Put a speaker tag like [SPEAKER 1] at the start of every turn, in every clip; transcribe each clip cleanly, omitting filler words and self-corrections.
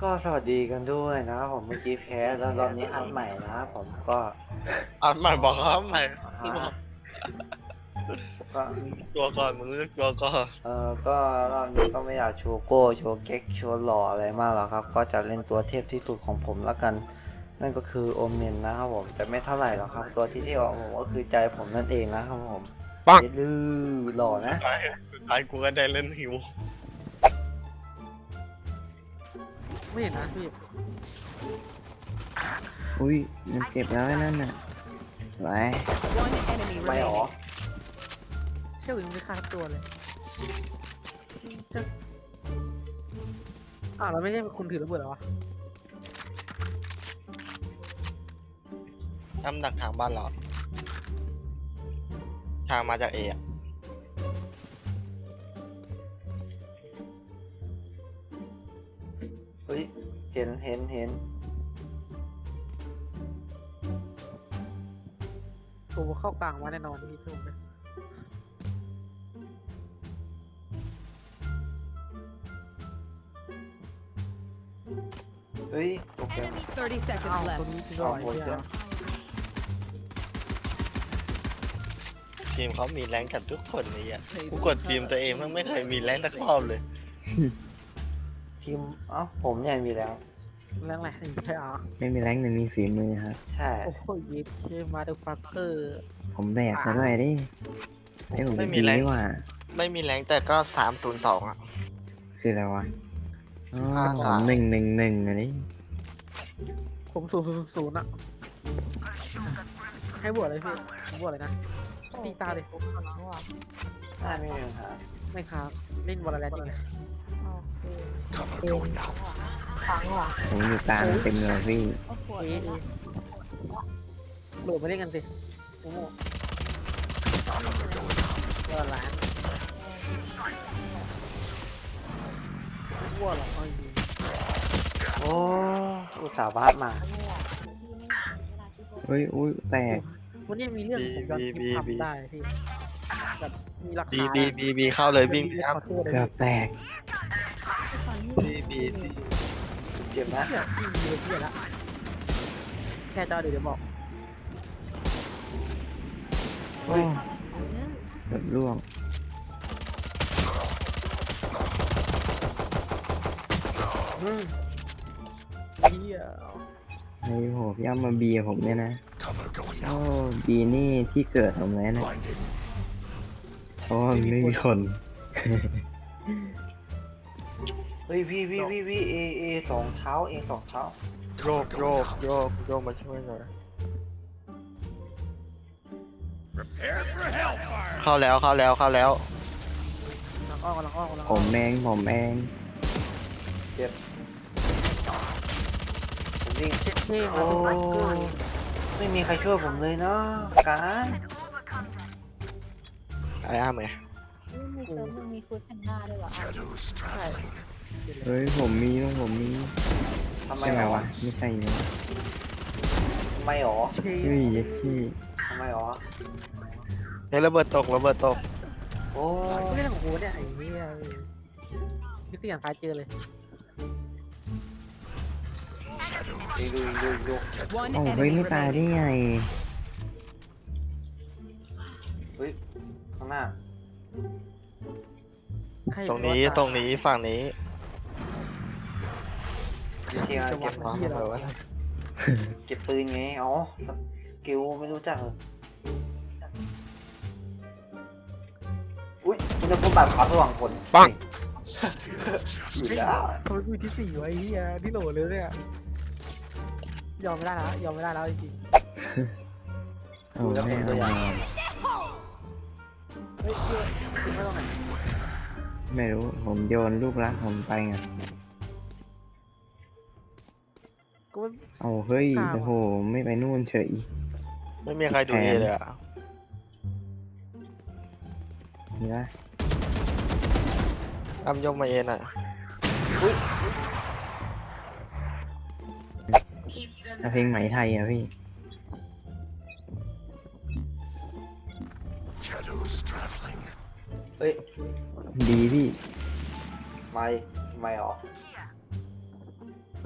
[SPEAKER 1] ก็สวัสดีกันด้วยนะครับผมเมื่อกี้แพ้แล้วรอบนี้อัดใหม่นะครับผมก็
[SPEAKER 2] อ่านใหม่บอกเขาใหม่
[SPEAKER 1] อ่าฮะก็
[SPEAKER 2] ตัวก่อนมึงเลือกตัวก่อน
[SPEAKER 1] ก็รอบนี้ก็ไม่อยากโชว์โก้โชว์เก๊กโชว์หล่ออะไรมากหรอกครับก็จะเล่นตัวเทพที่สุดของผมแล้วกันนั่นก็คือโอเมนนะครับผมแต่ไม่เท่าไหร่หรอกครับตัวที่เท่ของผมก็คือใจผมนั่นเองนะครับผม
[SPEAKER 2] ปัง
[SPEAKER 1] ดื้อหล่อนะ
[SPEAKER 2] สุดท้ายกูก็ได้เล่นหิว
[SPEAKER 3] ไม่เห็นนะพี่
[SPEAKER 4] อุ้ยมันเจ็บแล้วไอ้นั่นน่ะไว้
[SPEAKER 5] One enemy
[SPEAKER 1] ไม่หรอ
[SPEAKER 5] remaining.
[SPEAKER 3] เชี่ยวยังไม่ฆ่าทั้งตัวเลยจะเราไม่ใช่คุณถือระเบิดเหรอวะ
[SPEAKER 2] ทำดักทางบ้านเราทางมาจากเออะ
[SPEAKER 1] เฮ้ยเห็น
[SPEAKER 3] ตัวเข้ากลางมาแน่นอนพี่ทุ่มเลย
[SPEAKER 1] เฮ้ยโอเค
[SPEAKER 5] 30 seconds
[SPEAKER 3] ตัว
[SPEAKER 5] left.
[SPEAKER 3] นี้คือร่อย
[SPEAKER 1] เอาหมด
[SPEAKER 3] เนี่
[SPEAKER 1] เลย ย
[SPEAKER 2] ทีมเขามีแรงกันทุกคนเลยอ่ะกูกดทีมตัวเองมันไม่เคยมีแรงสักรอบเลย
[SPEAKER 1] ทีมผมเนี่ยมีแล้ว
[SPEAKER 3] แรงแหละใช่อ่ะ
[SPEAKER 4] ไม่มีแรงแต่มีฝีมือครับ
[SPEAKER 1] ใช่
[SPEAKER 3] โอ้โหยิปเคมาเดฟักเกอร์
[SPEAKER 4] ผมแบกซะด้วยดิไอ้ผมดีนี่ว่า
[SPEAKER 2] ไม่มีแรงแต่ก็302อ่ะ
[SPEAKER 4] คืออะไรวะอ๋อ
[SPEAKER 2] 53
[SPEAKER 4] 111อันนี้
[SPEAKER 3] ผม000อ่ะให้บวชเลยพี่ผมบวชเลยนะตีตาเลย
[SPEAKER 1] ได้ไม่มีปัญหา
[SPEAKER 3] ไม่ครับเล่นวอลเลนยังไง
[SPEAKER 4] ผมอยู่กลางเต็มเลยพี่
[SPEAKER 3] เอ๊ะโหลดมาเล่นกันสิโอ้โหวอลเลนวัวหรอเอาจริง
[SPEAKER 1] โอ้อุตส่าห์บาสมา
[SPEAKER 4] เฮ้ยอุ้ยแตก
[SPEAKER 3] วันนี้มีเรื่องผมยอมคิดทำได้พี่แบบมีหลัก
[SPEAKER 2] บี
[SPEAKER 3] ฐาน
[SPEAKER 2] บีเข้าเลยวิ่งครับ
[SPEAKER 3] ขอโทษเลย
[SPEAKER 4] เกือบแตก
[SPEAKER 2] บี
[SPEAKER 1] เจ็บนะ
[SPEAKER 3] เนี่ยพี่มีเลยพี่ละแค่เจ้าเดี๋ยวบอก
[SPEAKER 1] เฮ้ย
[SPEAKER 4] เกือบร่วง
[SPEAKER 1] อืม
[SPEAKER 3] พี่
[SPEAKER 4] ไอ้โหพี่อ้ำมาเบียร์ผมเนี่ยนะโอ้บีนี่ที่เกิดผมเลยนะเพราะว่ามันไม่มีคน
[SPEAKER 1] เฮ้ยพี่เอสองเท้า
[SPEAKER 2] โยกมาช่วยหน่อยเข้าแล้ว
[SPEAKER 3] กำลังอ้อก
[SPEAKER 4] ผมเอง
[SPEAKER 1] เจ็บผมวิ่ง
[SPEAKER 3] เช็คเท่
[SPEAKER 1] โอ้ไม่มีใครช่วยผมเลยเนาะการ
[SPEAKER 2] ไอ้อ้ามไง
[SPEAKER 6] มีเซิร์ฟมันมีฟูดแพนด้าด้วยเหรอ
[SPEAKER 3] ใช่
[SPEAKER 4] เฮ้ยผมมี
[SPEAKER 1] ทำไม
[SPEAKER 4] ใช่ไห
[SPEAKER 1] ห
[SPEAKER 4] ม
[SPEAKER 1] รอ
[SPEAKER 4] วะไม่ใช่เนอะ
[SPEAKER 1] ทำไมหรอ
[SPEAKER 3] เท่
[SPEAKER 4] เฮ้ยพี่
[SPEAKER 1] ทำไมหรอ
[SPEAKER 2] เฮ้ยระเบิดตก
[SPEAKER 1] โอ้
[SPEAKER 3] ไม่ใช่ของกูเนี่ยไอ้นี่พี่สี่อย่างซ้ายเจอเลย
[SPEAKER 1] ดู
[SPEAKER 5] One
[SPEAKER 4] โอ้เฮ้ย
[SPEAKER 5] enemy
[SPEAKER 4] ไม่ตายได้
[SPEAKER 5] remaining.
[SPEAKER 4] ไง
[SPEAKER 1] เฮ้ยข้างหน้า
[SPEAKER 2] ตรงนี้ฝั่งนี้
[SPEAKER 1] วิธีการเก็บ
[SPEAKER 2] วางระเบิดไว้
[SPEAKER 1] เก็บปืนไงอ๋อสกิลไม่รู้จักเลยอุ้ยมันจะพูดแบบขวาระหว่างคน
[SPEAKER 2] ปัง
[SPEAKER 1] อยู่แล้ว
[SPEAKER 3] ทำไมกูที่สี่ไว้เฮียที่โหลเลยเนี่ยยอมไม่ได้แล้วจริง
[SPEAKER 4] โอ้แม่เอามา
[SPEAKER 3] ๆเฮ้ยไม่ต้องไหน
[SPEAKER 4] ไม่รู้ผมโยนลูกรักผมไปไง
[SPEAKER 3] กูไม่
[SPEAKER 4] เอาเฮ้ยโอ้โหไม่ไปนู่นเฉย
[SPEAKER 2] ไม่มีใครดูเอเลยอ่ะ
[SPEAKER 4] นี่ละ
[SPEAKER 2] อ้ำยกมาเองอ่ะ
[SPEAKER 4] ถ้าเพลงไหมไทยอ่ะพี่
[SPEAKER 1] เฮ้ย
[SPEAKER 4] ดีพี่
[SPEAKER 1] ไม่หรอ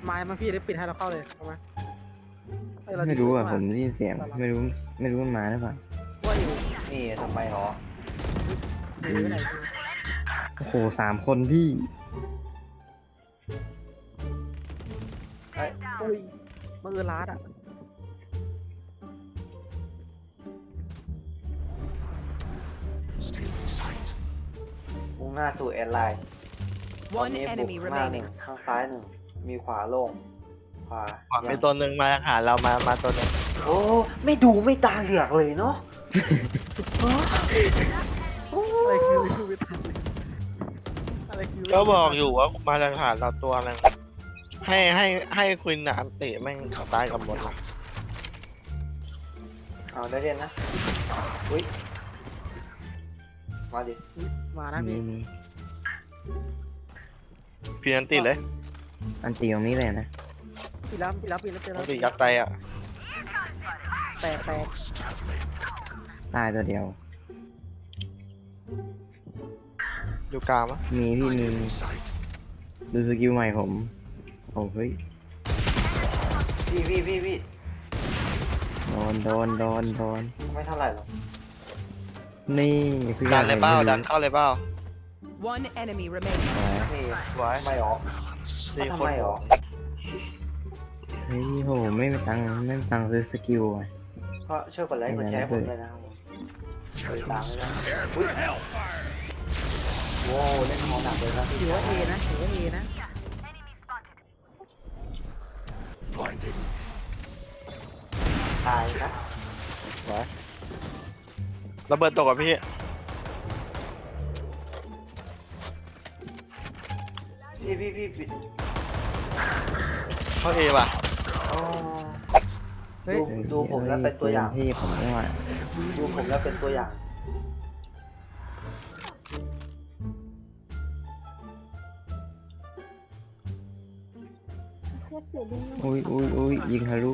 [SPEAKER 3] ไม้มาพี่ได้ปิดให้เราเข้าเลยเอาไหมเอ้ยเรา
[SPEAKER 4] ไม่รู้อ่ะ
[SPEAKER 3] ดี
[SPEAKER 4] ผมได้ยินเสียงไม่รู้มันมาหรือเปล่า
[SPEAKER 3] ว่าอยู่
[SPEAKER 1] นี่ทำไมหรอ
[SPEAKER 3] อยู่ที่ไหน
[SPEAKER 4] โอ้โห3 คนพี่
[SPEAKER 1] เอ้ย
[SPEAKER 3] อุ้ยมันลาดอ่ะ
[SPEAKER 1] มุ่งหน้าสู่แอดไลน์ตอน
[SPEAKER 5] One
[SPEAKER 1] นี้บุ
[SPEAKER 5] enemy
[SPEAKER 1] กข้างหน้าหนึ่ง
[SPEAKER 5] remaining.
[SPEAKER 1] ข้างซ้ายหนึ่งมีขวาโล่งขวา
[SPEAKER 2] ขวามีตัวหนึ่งมาหาเรามาตัวหนึ่ง
[SPEAKER 1] โอ้ไม่ดูไม่ตาเหลือกเลยเนาะ
[SPEAKER 3] อะไรคือไม่ทันอะไรคือ
[SPEAKER 2] ก็บอกอยู่ว่ามาหาเราตัวหนึงให้คุณน่ะอันติแม่งตายกับหมดอะ
[SPEAKER 1] เอาได้เรียนนะอุ้ยมาดิ
[SPEAKER 3] มานะ
[SPEAKER 4] มี
[SPEAKER 3] พี่
[SPEAKER 2] พี่อันติเลย
[SPEAKER 4] อันตีตรงนี้เลยนะ
[SPEAKER 3] ปีแล้วเจอ
[SPEAKER 2] อั
[SPEAKER 3] แล้
[SPEAKER 2] น
[SPEAKER 3] ว
[SPEAKER 2] ติยัดไตอ่ะ
[SPEAKER 3] แตก
[SPEAKER 4] ตายตัวเดียว
[SPEAKER 2] อยู่กลางมั้ย
[SPEAKER 4] มีพี่มีดูสกิลใหม่ผมโอ้เฮ้ย
[SPEAKER 1] พี่
[SPEAKER 4] โดน
[SPEAKER 1] ไม่เท่าไหร่หรอก
[SPEAKER 4] นี่คือ
[SPEAKER 2] ดันเลยเป้า
[SPEAKER 4] อะไร
[SPEAKER 2] ดันเข้าเลยเป้า
[SPEAKER 5] One enemy remaining.
[SPEAKER 1] นี่
[SPEAKER 2] ไว้
[SPEAKER 1] ทำไมหรอ
[SPEAKER 2] สี่
[SPEAKER 1] ทำ
[SPEAKER 2] คน
[SPEAKER 1] ไมหรอ
[SPEAKER 4] เฮ้ยโหไม่มีตังค์ซื้อสกิลอ่ะ
[SPEAKER 1] ก็ช่วยกดไลค์กดแชร์ให้ผมด้วยนะครับผมกดตามด้วยนะอุ้ยโว้วเล่นมองหนักเลยครับพี่
[SPEAKER 3] ถือว่าเอนะ
[SPEAKER 1] ตายครับ
[SPEAKER 2] ไว้ระเบิดตกกับพี่
[SPEAKER 1] พี่ปิด
[SPEAKER 2] เข้าเอว่ะ
[SPEAKER 1] อ๋อ
[SPEAKER 3] เฮ้ย
[SPEAKER 1] ดูผมแล้วเป็นตัวอย่าง
[SPEAKER 4] ที่ผมไม่ว่า
[SPEAKER 1] ดูผมแล้วเป็นตัวอย่าง
[SPEAKER 6] เทียบเสียดิ้ง
[SPEAKER 4] อุ้ยยิงทะลุ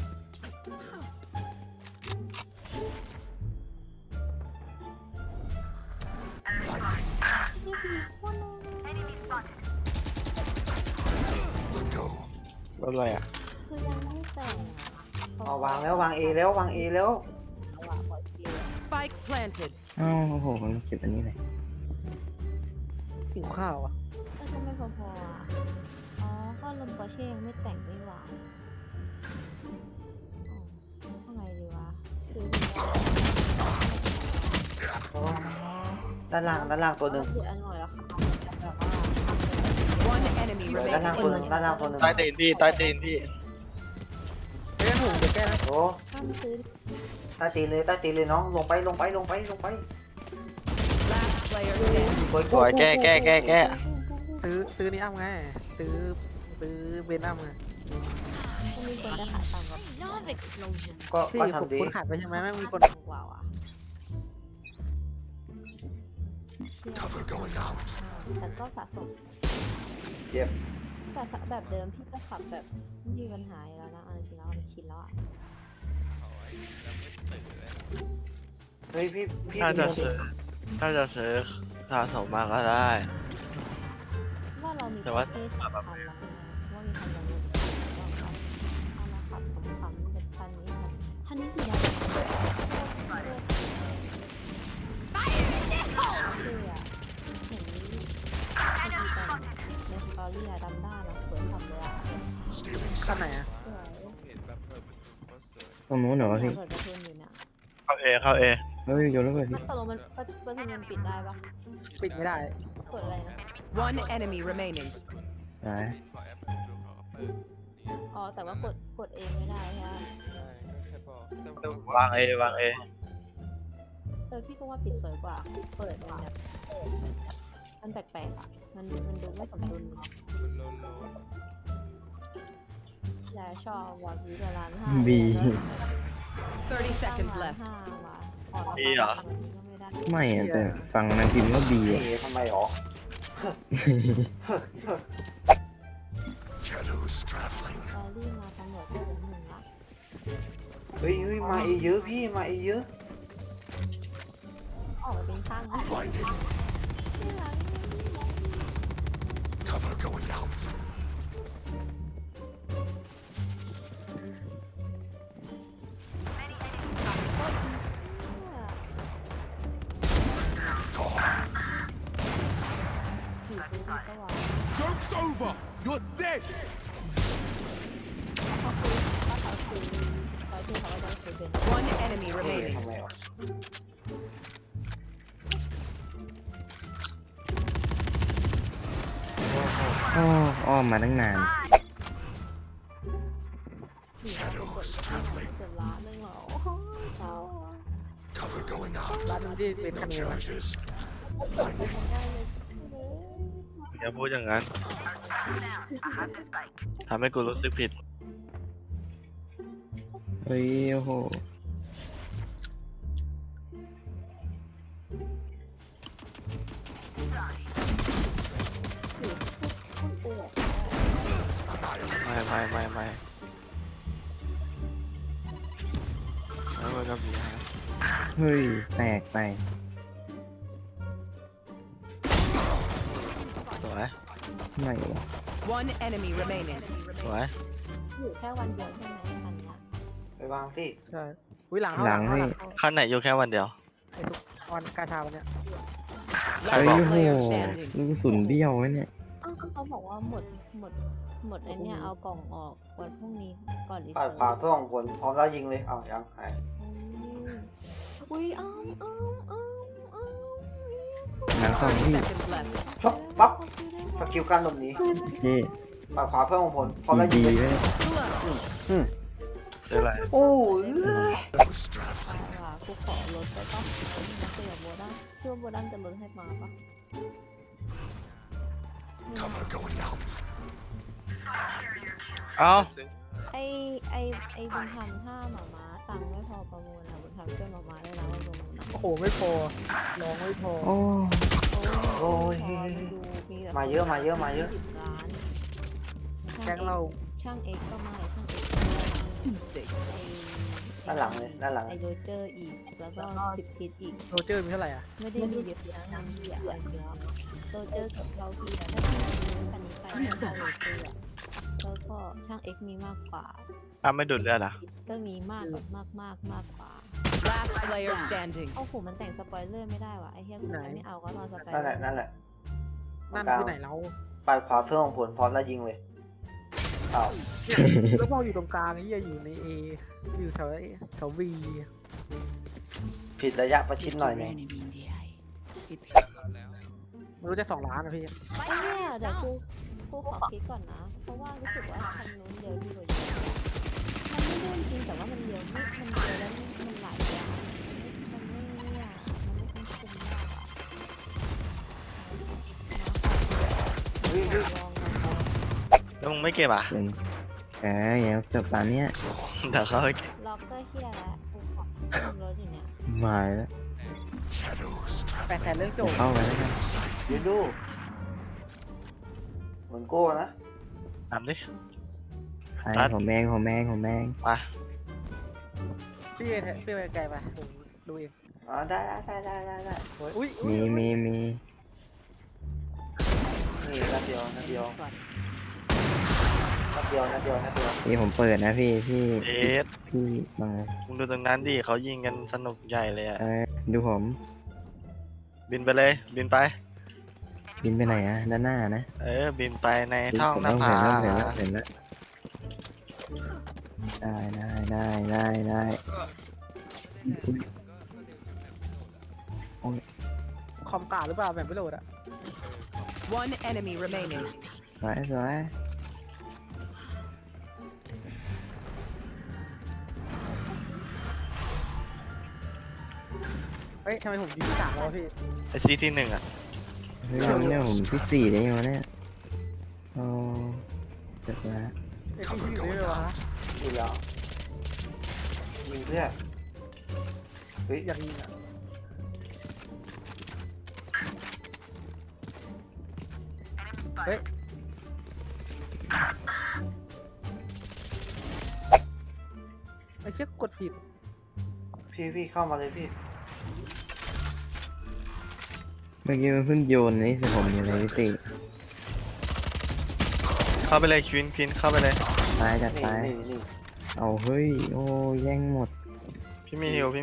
[SPEAKER 2] รถอะไรอ่ะ
[SPEAKER 6] คือยังไม่แต่ง
[SPEAKER 1] เอาวางแล้ววางเอแล้ววางเอแล้ว
[SPEAKER 6] อ่ะปล่อยเกม
[SPEAKER 5] Spike planted.
[SPEAKER 4] อ้าวโอ้โหผมเก็บอันนี้เลย
[SPEAKER 3] หิวข้าวอ่ะ
[SPEAKER 6] ก็จะไม่พออ่ะอ๋อก็ลมปอร์เช่ยังไม่แต่งนี่หว่าทำไงดีวะซื้อดีกว่า
[SPEAKER 1] ด้านล่างตัวหนึ่ง
[SPEAKER 6] พูดอันหน่อยแล้วค่ะแบบว่า
[SPEAKER 5] One enemy
[SPEAKER 1] ด้านล่างตัวหนึ่ง
[SPEAKER 5] remaining.
[SPEAKER 1] ด้านล่างตัวหนึ่ง
[SPEAKER 2] ใต้ตีนพี่ใต้ตีนพี่
[SPEAKER 3] เฮ้ยผมจะแก้นะ
[SPEAKER 1] โอ้
[SPEAKER 6] ถ้ามันซื้อ
[SPEAKER 1] ใต้ตีนเลยน้องลงไป
[SPEAKER 5] Last player standing.
[SPEAKER 1] สวย
[SPEAKER 2] สวยแก้
[SPEAKER 3] ซื้อนี่อ้ำไงซื้อเบนอ้ำไง
[SPEAKER 6] จะมีคนจะขายต่ำกว่า
[SPEAKER 1] ก็
[SPEAKER 3] ที่
[SPEAKER 1] ทำดี
[SPEAKER 3] คุณขาดไปใช่ไหมไม่มีคน
[SPEAKER 6] กว่าอ่ะแต่ก็สะสม
[SPEAKER 1] เจ็บ
[SPEAKER 6] แต่แบบเดิมพี่ก็ขับแบบไม่มีปัญหาอยู่แล้วนะเอาจริงๆแล้วมันชินแล้วอ่ะ
[SPEAKER 1] เฮ้ยพี่
[SPEAKER 2] ถ้าจะซื้อสะสมมาก็ได้
[SPEAKER 6] ว่าเรามี
[SPEAKER 2] แต่ว่า
[SPEAKER 6] ประเภทสำคัญแล้วว่ามีคันยังไงเอามาขับขำๆแบบคันนี้คันนี้สีดำเท่อะเห็นพอดีกันในสตอรี่อะดำด้านอะสวยขับเลยอะ
[SPEAKER 3] ขั้นไหนอ่ะ
[SPEAKER 6] สวย
[SPEAKER 4] ตรงนู้นเหรอวะพี่
[SPEAKER 6] เปิดประตูอยู่เนี่ย
[SPEAKER 2] เข้าเอ
[SPEAKER 4] เฮ้ยโยนแล้วเปิดพี่
[SPEAKER 6] ตกลงมันประตูมันปิดได้ปะ
[SPEAKER 3] ปิดไม่ได้
[SPEAKER 6] กดอะไรนะ
[SPEAKER 5] One enemy remaining.
[SPEAKER 4] ตาย
[SPEAKER 6] อ๋อแต่ว่ากดเองไม่ได้ใช่ไหม
[SPEAKER 2] วางเอ
[SPEAKER 6] พี่ก็ว่าปิดสวยกว่า เปิดมันแบบมันแปลกๆอ่ะ มันดูไม่สมดุลอย่าชอบวอดวีละล้านห้า
[SPEAKER 4] บี
[SPEAKER 5] 30 seconds
[SPEAKER 6] ล้าน
[SPEAKER 5] left.
[SPEAKER 6] ห้าว่ะออกรา
[SPEAKER 2] บีเหรอ
[SPEAKER 6] คาแบบนี้ก็ไม่ได้
[SPEAKER 4] ไม่อะแต่ฟังนางพิมพ์ว่าบี
[SPEAKER 1] เอ
[SPEAKER 4] อะ
[SPEAKER 1] ทำไมหรอ
[SPEAKER 6] ตอรี่มาตำรวจก็เหลือหนึ่งละ
[SPEAKER 1] เฮ้ยมาเอเยอะพี่มาเอเยอะ
[SPEAKER 6] ออกมาเป็นข้างนะที่หลังจีบดูดีก็ว่า
[SPEAKER 7] Joke's over! You're dead!
[SPEAKER 6] เขาคือเขาก็จะคือเดิน
[SPEAKER 5] One enemy
[SPEAKER 1] เฮ้ย
[SPEAKER 5] remaining.
[SPEAKER 1] ทำไมวะ
[SPEAKER 4] โอ้อ้อมมาตั้งนาน
[SPEAKER 7] Shadows traveling.
[SPEAKER 6] เกือบล้านนึงเหรอโอ้โหเศร้าอ่ะ
[SPEAKER 7] Cover going out.
[SPEAKER 3] ร้านนี้ที่เป็นคะแนน
[SPEAKER 7] Charges.
[SPEAKER 6] ไม่ได้เลย
[SPEAKER 2] อย่าพูดอย่างนั้นทำให้กูรู้สึกผิด
[SPEAKER 4] เฮ้ยโอ้โห
[SPEAKER 2] ไม่แล้วมันก็มีฮะ
[SPEAKER 4] เฮ้ยแตกไป
[SPEAKER 2] สวย
[SPEAKER 4] ไหนวะ
[SPEAKER 5] One enemy remaining.
[SPEAKER 2] สวย
[SPEAKER 6] อยู่แค่วันเดียวใช่ไหมอันเนี้ย
[SPEAKER 1] ไปวางสิ
[SPEAKER 3] ใช่วิหลัง
[SPEAKER 4] หลังนี่
[SPEAKER 2] ขั้นไหนอยู่แค่วันเดียว
[SPEAKER 3] ไอ้ทุกวันกาชาวันเนี้ย
[SPEAKER 2] ใคร
[SPEAKER 4] เฮ้ย
[SPEAKER 2] บอก
[SPEAKER 4] โอ้โหลูกกระสุนเบี้ยวไว้เนี่ย
[SPEAKER 6] อ้าวก็เขาบอกว่าหมดไอ้เนี่ยเอากล่องออกวันพรุ่งนี้ก่อนรี
[SPEAKER 1] ปาดขวาเพื่อของผลพร้อมแล้วยิงเลยเอายังหาย
[SPEAKER 6] อุ้ยอ้าว
[SPEAKER 4] หลังสองที่
[SPEAKER 5] Seconds left.
[SPEAKER 1] ชกปั๊บสกิลการหลบหนี
[SPEAKER 4] เฮ้ย
[SPEAKER 1] ปาดขวาเพื่อของผลพร้อมแล้วยิ
[SPEAKER 4] ดี
[SPEAKER 1] งเลย
[SPEAKER 4] ๆเลย
[SPEAKER 2] เจออะไร
[SPEAKER 1] โอ้ย
[SPEAKER 7] Shadows traveling.
[SPEAKER 6] ว่ากูขอลดไปป่ะมาคุยกับโบดันชื่อว่าโบดันจะลดให้มาป่ะ
[SPEAKER 7] Cover going out.
[SPEAKER 2] เอ้า
[SPEAKER 6] ไอบุญธรรมถ้าหมาม้าตังค์ไม่พอประมูลอะบุญธรรมช่วยหมาม้าได้แล้วว่าประมูลอะ
[SPEAKER 3] โอ้โหไม่พอลองไม่พอ
[SPEAKER 4] โอ้
[SPEAKER 1] โอ้ย
[SPEAKER 6] ดูมีแต่
[SPEAKER 1] มาเยอะมาเยอะมาเยอะ
[SPEAKER 6] 10 ล้าน
[SPEAKER 3] แก๊งเรา
[SPEAKER 6] ช่างเอ็กก็ไม่ช่างเอ็ก
[SPEAKER 5] Insane.
[SPEAKER 1] ด้านหลังเลยด้านหลัง
[SPEAKER 6] ไอโรเจอร์อีกแล้วก็10 ทิศอีก
[SPEAKER 3] โรเจอร์มีเท่าไหร่อ่ะ
[SPEAKER 6] ไม่ได้มีเยอะนะน้ำเยอะอะไรเยอะโรเจอร์กับเราพี่อะถ้าพี่ซื้อคันนี้ไปก็โรเจอร์อะแล้วก็ช่างเอ็กมีมากกว่า
[SPEAKER 2] ไม่ดูดเลือดอ่ะ
[SPEAKER 6] ก็มีมากแบบมากกว่า
[SPEAKER 5] Last player standing.
[SPEAKER 6] เอาผมมันแต่งสปอยเลอร์ไม่ได้ว่ะไอ้เหี้ยกูจะไม่เอาก็ตอนสปอย
[SPEAKER 1] นั่น
[SPEAKER 6] เล
[SPEAKER 1] แห
[SPEAKER 6] อ
[SPEAKER 1] ละ
[SPEAKER 6] ร์
[SPEAKER 1] นั่นแหละ
[SPEAKER 3] นั่นคือไหนเรา
[SPEAKER 1] ปาดขวาเพื่อของผลพร้อมแล้วยิงเลยเอา
[SPEAKER 3] แล้วพออยู่ตรงกลางไอ้เหี้ยอยู่ใน A อยู่แถวB
[SPEAKER 1] ผิดระยะประชิดหน่อยหนึง
[SPEAKER 3] ไม่รู้จะ2 ล้านอ่ะพี่
[SPEAKER 6] ไอ้เนี่ยเดี๋ยวกูขอคิดก่อนนะ เพราะว่ารู้สึกว่าทางนู้นเดียวดีกว่าเยอะมันไม่ได้จริงแต่ว่ามันเดียวไม่มันเดียวแล้วมันหลายอย่างมันไม่เนี่ยมันไม่คุ้มมากอะ
[SPEAKER 1] เฮ้ยเฮ้ย
[SPEAKER 6] ลองกันดู
[SPEAKER 2] แล้วมึงไม่เก็บอ่ะ
[SPEAKER 4] เป็นเดี๋ยวจบตอนเนี้ย
[SPEAKER 2] เดี๋ยวเขาให้เก็บ
[SPEAKER 6] ล็อกเกอร์เฮียแล้วกูขอรถอยู่เนี่ย
[SPEAKER 4] มาแล้ว
[SPEAKER 7] Shadows
[SPEAKER 3] 800,000
[SPEAKER 7] traveling.
[SPEAKER 3] เรื่องจบ
[SPEAKER 4] เข้าไปแล้วกัน
[SPEAKER 1] เดี๋ยวดูเหมือนโก้นะ
[SPEAKER 2] ทำดิ
[SPEAKER 4] ใครของแมง
[SPEAKER 2] ไป
[SPEAKER 3] พี่ไปไกลไปผมดูเอง
[SPEAKER 1] อ๋อได้
[SPEAKER 3] อุ้ย
[SPEAKER 4] มี
[SPEAKER 1] นี่นัดเดียว
[SPEAKER 4] พี่ผมเปิดนะพี่
[SPEAKER 2] เอส
[SPEAKER 4] มา
[SPEAKER 2] มึงดูตรงนั้นดิเขายิงกันสนุกใหญ่เลยอ่ะ
[SPEAKER 4] ดูผม
[SPEAKER 2] บินไปเลยบินไป
[SPEAKER 4] บินไปไหนอะด้านหน้านะ
[SPEAKER 2] บินไปในท้อง
[SPEAKER 4] ผม
[SPEAKER 2] หน้า
[SPEAKER 4] ต้อง
[SPEAKER 2] ผา
[SPEAKER 4] เห็นแล้วได้
[SPEAKER 3] คอมกาหรือเปล่าแบบไม่โหลดอ่ะ
[SPEAKER 5] One enemy remaining.
[SPEAKER 4] สวย
[SPEAKER 3] เฮ้ยทำไมผมยิงที่3แล้ววะพี่
[SPEAKER 2] ไอซีที่1อ่ะ
[SPEAKER 4] เฮ้ยเนี่ยผมที่4ได้ยังวะเนี่ยโอ้เสร็จแล้ว
[SPEAKER 3] ไอ้ที่อยู่ได้เลยวะ
[SPEAKER 1] อยู่แล้วยิงเพื่อเฮ้ย
[SPEAKER 3] อยากยิงอ่ะเฮ้ยไอ้เชี่ยกดผิด
[SPEAKER 1] พี่เข้ามาเลยพี่
[SPEAKER 4] เมื่อกี้มันเพิ่งโยนนี่สิผมอยู่เลยพี่ติ
[SPEAKER 2] เข้าไปเลยควินเข้าไปเลย
[SPEAKER 4] ตายจัด
[SPEAKER 1] นี่
[SPEAKER 4] ตาย
[SPEAKER 1] นี่
[SPEAKER 4] เอาเฮ้ยโอ้แย่งหมด
[SPEAKER 2] พี่มีฮิว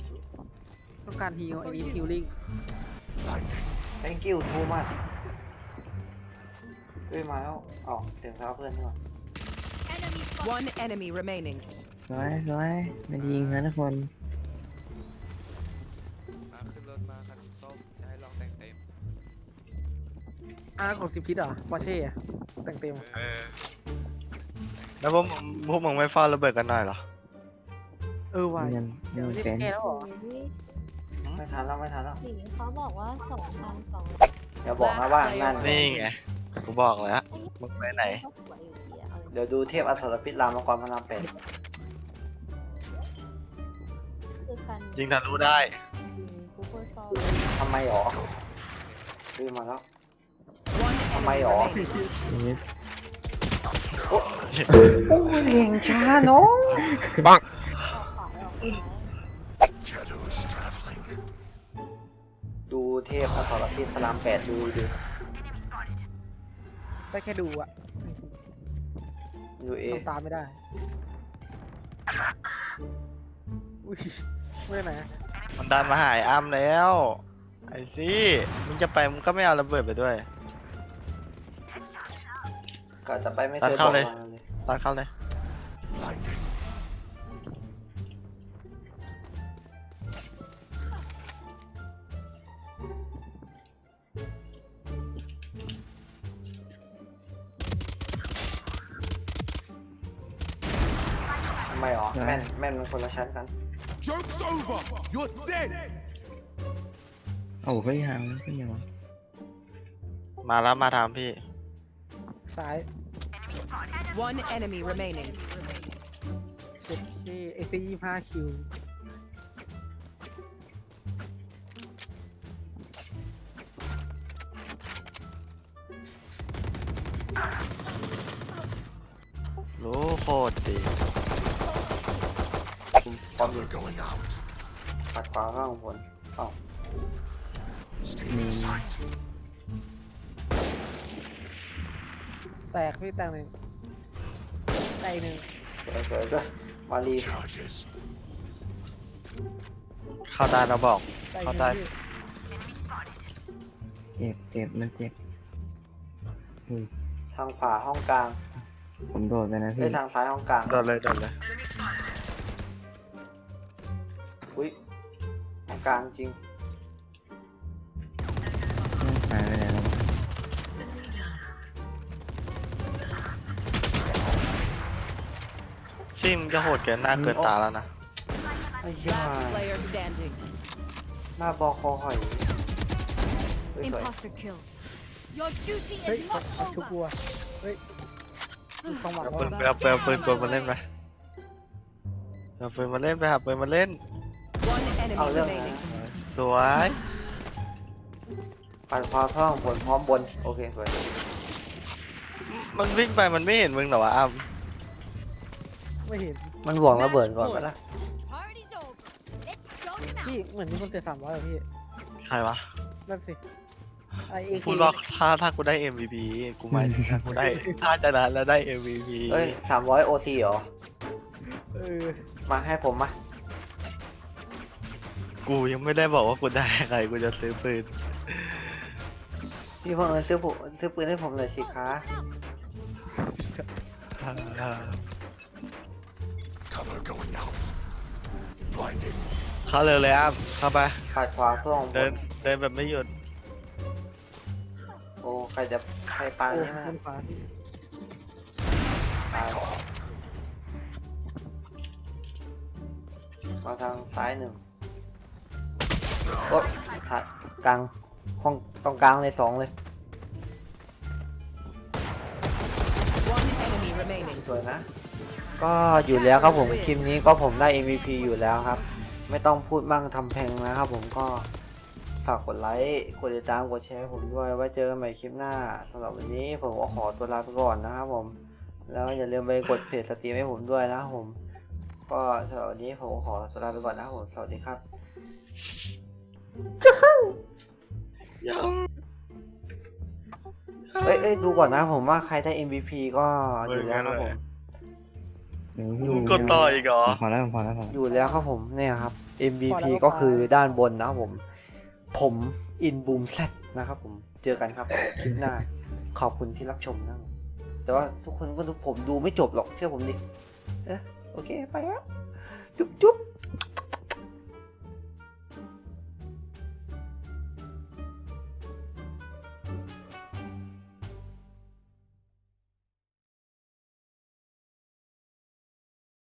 [SPEAKER 3] ต้องการฮีลไอ้นี้ฮีลลิ่ง
[SPEAKER 7] Blinding.
[SPEAKER 1] thank you too much ฮ้ยมาแล้วอ๋อเสียงเท้าเพื่อนนี่หว่า
[SPEAKER 5] One enemy remaining.
[SPEAKER 4] ร้อยไม่ดียิงนะทุกคน
[SPEAKER 8] มาขึ้นรถมาคันสีส้มจะให้ลองแต่งเต็ม
[SPEAKER 3] กด10 คิดเหรอปอร์เช่อะแต่งเต็ม
[SPEAKER 2] แล้วพวกมึงไม่ฟาดระเบิดกันหน่อยเหรอ
[SPEAKER 3] ว่ะ
[SPEAKER 4] ยัง
[SPEAKER 3] เดี๋ยวนี่
[SPEAKER 4] เป็น
[SPEAKER 3] แก้แล้วเหรอ
[SPEAKER 1] ไม่ทันแล้วไม่ทันแล้ว
[SPEAKER 6] สีเขาบอกว่า2,200
[SPEAKER 1] อย่าบอกนะว่านั่น
[SPEAKER 2] นี่ไงกูบอกแล้วมึงไปไหน
[SPEAKER 6] เขาสวยอยู่ดีอะเอาเลย
[SPEAKER 1] เดี๋ยวดูเทพอสรพิษรามกรพระรามแปด
[SPEAKER 6] คือคัน
[SPEAKER 2] ยิงทะลุได้
[SPEAKER 6] กูเปอร์ซอล
[SPEAKER 1] ทำไมหรอเฮ้ยมาแล้ว
[SPEAKER 5] One
[SPEAKER 1] Am I
[SPEAKER 5] enemy
[SPEAKER 1] off?
[SPEAKER 5] remaining.
[SPEAKER 4] นี่
[SPEAKER 1] โอ้ยเก่งช้าเนาะ
[SPEAKER 6] ออกขวาออกซ้าย
[SPEAKER 7] Shadows traveling.
[SPEAKER 1] ดูเทพอสรพิษพระรามแปดดูดิ
[SPEAKER 3] ได้แค่ดูอะ
[SPEAKER 1] ดูเอ
[SPEAKER 3] ทำตามไม่ได้อุ้ยไม่ได้ไหน
[SPEAKER 2] มันดันมาหายอ้ำแล้ว ไอ้ซี่มึงจะไปมึงก็ไม่เอาระเบิดไปด้วย
[SPEAKER 1] ก็จะไปไม่
[SPEAKER 2] ตั
[SPEAKER 1] เค
[SPEAKER 2] ด
[SPEAKER 1] ยบ
[SPEAKER 2] เข้า
[SPEAKER 1] อก
[SPEAKER 2] เลย
[SPEAKER 1] มาเลย
[SPEAKER 2] ตัดเข้าเลย
[SPEAKER 7] Blinding.
[SPEAKER 1] ทำไมหรอแม่นมันคนละชั้นกัน
[SPEAKER 7] Joke's over. You're dead.
[SPEAKER 4] โอ้เฮ้ยหางขึ้นยังวะ
[SPEAKER 2] มาแล้วมาทางพี่
[SPEAKER 3] ซ้าย
[SPEAKER 5] One enemy remaining.
[SPEAKER 3] เจ็ดที่ไอซี25 คิว
[SPEAKER 2] รู้โคตรดี
[SPEAKER 7] Cover going out.
[SPEAKER 1] ปัดขวาข้างบนอ้าว
[SPEAKER 7] Stay in sight.
[SPEAKER 3] แตกพี่แตกหนึ่งแตกอีกหนึ่ง
[SPEAKER 1] สวยด้วยมารี
[SPEAKER 7] Charges.
[SPEAKER 2] เข้าได้เราบอก
[SPEAKER 3] แตกอี
[SPEAKER 2] เข้าก
[SPEAKER 3] ห
[SPEAKER 2] ได้
[SPEAKER 3] นึ่งพี่
[SPEAKER 4] เจ็บมันเจ็บอุ้ย
[SPEAKER 1] ทางขวาห้องกลาง
[SPEAKER 4] ผมโดดไปนะ
[SPEAKER 1] เอ้
[SPEAKER 4] พี่
[SPEAKER 1] ยทางซ้ายห้องกลาง
[SPEAKER 2] โดนเลยโดนเลย
[SPEAKER 1] อุ้ยห้องกลางจริง
[SPEAKER 4] หายไปไหนแล้ววะ
[SPEAKER 2] ซี่มึงจะโหดเกินหน้าเกินตาแล้วนะ
[SPEAKER 1] ไอ้ย่า
[SPEAKER 5] Last player standing.
[SPEAKER 1] หน้าบอคอหอยเฮ้ยสวย
[SPEAKER 5] Imposter kill. Your duty
[SPEAKER 3] เฮ้ยเอาชุบบัวเฮ้ยมีความหวัง
[SPEAKER 2] เอา
[SPEAKER 3] ว่า
[SPEAKER 2] ปืนเอาปืนกลมาเล่นไปเอาปืนมาเล่นไปหาปืนมาเล่น
[SPEAKER 5] One enemy
[SPEAKER 1] เอาเรื่องนะ
[SPEAKER 5] remaining.
[SPEAKER 2] สวย
[SPEAKER 1] ปัดขวาข้างบนพร้อมบนโอเคสวย
[SPEAKER 2] มันวิ่งไปมันไม่เห็นมึงเหรอวะอ้ำ
[SPEAKER 3] ไม่เห็น
[SPEAKER 1] มันหวงระเบิดก่อนไหมล่ะ
[SPEAKER 3] พี่เหมือนมีคนเตะ300เหรอพี่
[SPEAKER 2] ใครวะ
[SPEAKER 3] นั่นสิไอเอ
[SPEAKER 2] พูดว่าถ้ากูได้ MVP กูหมายถึงถ้ากูได้ถ้าชนะแล้วได้ MVP
[SPEAKER 1] เอ้ย300 OC เหรอ
[SPEAKER 3] เออ
[SPEAKER 1] มาให้ผมมา
[SPEAKER 2] กูยังไม่ได้บอกว่ากูได้อะไรกูจะซื้อปืน
[SPEAKER 1] พี่เพิ่งซื้อปืนให้ผมหน่อยสิคะ
[SPEAKER 7] Cover going out. Blinding.
[SPEAKER 2] เข้าเลยอ้ำเข้าไป
[SPEAKER 1] ปัดขวาเพื่อของบ
[SPEAKER 2] เดิน
[SPEAKER 1] น
[SPEAKER 2] เดินแบบไม่หยุด
[SPEAKER 1] โอ้ใครปา
[SPEAKER 3] โอ้
[SPEAKER 1] นี่มา
[SPEAKER 3] ขึ้นฟ้า
[SPEAKER 1] ตายมาทางซ้ายหนึ่งโอ๊ยหักกลางห้องตรงกลางเลย2เลย
[SPEAKER 5] One enemy remaining.
[SPEAKER 1] สวยนะ ก็อยู่แล้วครับผมคลิปนี้ก็ผมได้ MVP อยู่แล้วครับ ไม่ต้องพูดมั่งทำเพลงนะครับผมก็ฝากกดไลค์กดติดตามกดแชร์ให้ผมด้วยไว้เจอกันใหม่คลิปหน้าสำหรับวันนี้ผมก็ขอตัวลาไปก่อนนะครับผมแล้วอย่าลืมไปกดเพจสตรีมให้ผมด้วยนะครับผมก็สำหรับวันนี้ผมก็ขอตัวลาไปก่อนนะครับผมสวัสดีครับเอ้ยดูก่อนนะผมว่าใครได้ MVP ก็อยู่แล้วครับผม
[SPEAKER 2] มึงกดต่ออีกเหรอ
[SPEAKER 4] พอแล้วพอแล้ว
[SPEAKER 1] อยู่แล้วครับผมเนี่ยครับ MVP ก็คือด้านบนนะครับผมอินบูมแซดนะครับผมเจอกันครับคลิปหน้าขอบคุณที่รับชมนะแต่ว่าทุกคนก็ดูผมดูไม่จบหรอกเชื่อผมดิโอเคไปแล้วจุ๊บ